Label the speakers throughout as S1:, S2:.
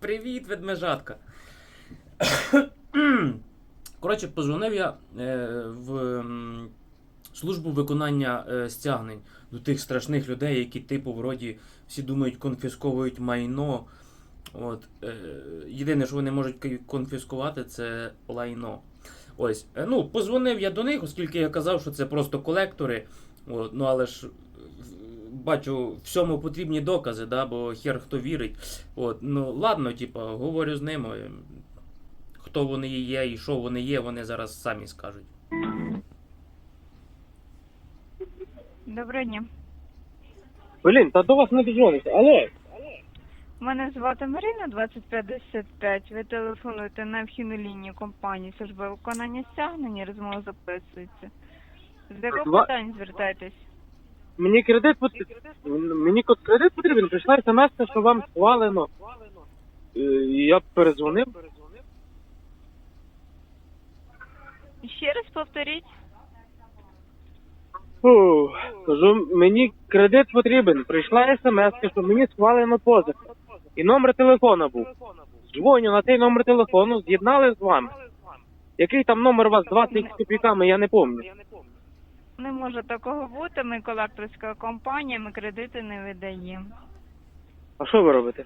S1: Привіт, ведмежатка. Коротше, позвонив я в службу виконання стягнень до тих страшних людей, які, типу, вроді, всі думають, конфісковують майно. От, єдине, що вони можуть конфіскувати, це лайно. Ось, ну, позвонив я до них, оскільки я казав, що це просто колектори. От, ну, але ж бачу, всьому потрібні докази, да, бо хер хто вірить. От, ну, ладно, типа, говорю з ними. Хто вони є і що вони є, вони зараз самі скажуть.
S2: Доброго дня.
S3: Блін, та до вас не дозвониться. Алло.
S2: Мене звати Марина, 2055. Ви телефонуєте на вхідну лінію компанії служби виконання стягнення, розмова записується. З якого питань звертайтесь?
S3: Мені кредит потрібен. Прийшла смс, що вам схвалено. І я перезвонив.
S2: Ще раз повторіть.
S3: Фу, кажу, мені кредит потрібен. Прийшла смс, що мені схвалено позику. І номер телефона був. Дзвоню на цей номер телефону, з'єднали з вами. Який там номер у вас 20 з копійками, я не пам'ятаю.
S2: Не може такого бути, ми колекторська компанія, ми кредити не видаємо.
S3: А що ви робите?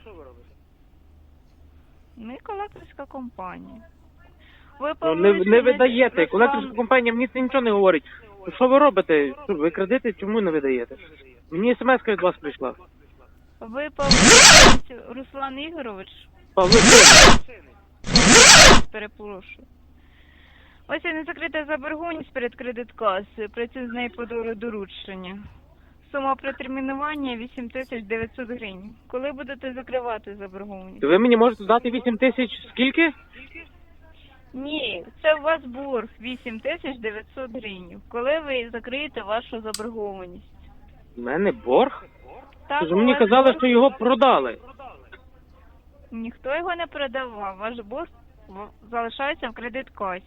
S2: Ми колекторська компанія. Ви
S3: Ну, не
S2: повинні
S3: видаєте.
S2: Руслан-
S3: Колекторська компанія мені це нічого не говорить. Що ви робите? Що, ви кредити чому не видаєте? Мені смс від вас прийшла.
S2: Ви повинні, Руслан Ігорович,
S3: Павло Син.
S2: перепрошую. Ось і не закрита заборгованість перед кредиткасою. Працюю з нею по доручення. Сума протермінування 8900 гривень. Коли будете закривати заборгованість?
S3: Ви мені можете дати 8 тисяч скільки?
S2: Ні, це у вас борг 8900 гривень. Коли ви закриєте вашу заборгованість?
S3: У мене борг?
S2: Так,
S3: Тож
S2: у
S3: мені
S2: вас
S3: казали,
S2: борг-
S3: що його продали.
S2: Ніхто його не продавав. Ваш борг залишається в кредиткасі.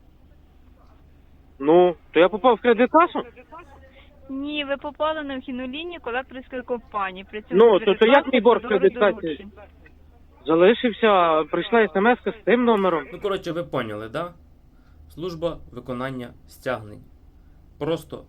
S3: Ну, то я попав в кредит-касу?
S2: Ні, ви попали на вхідну лінію колекторської компанії. Працюю
S3: Ну,
S2: з
S3: то як мій борг в
S2: кредиткасою
S3: кредиткасі?
S2: доручень.
S3: Залишився, прийшла смс з тим номером.
S1: Ну, коротше, ви поняли, да? Служба виконання стягнень. Просто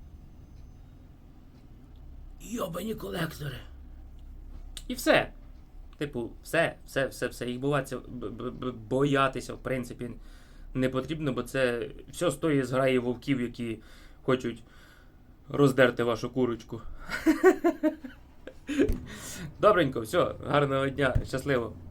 S1: йобані колектори. І все. Типу, все. Їх боятися, в принципі, не потрібно, бо це все стоїть з граї вовків, які хочуть роздерти вашу курочку. Добренько, все, гарного дня, щасливо.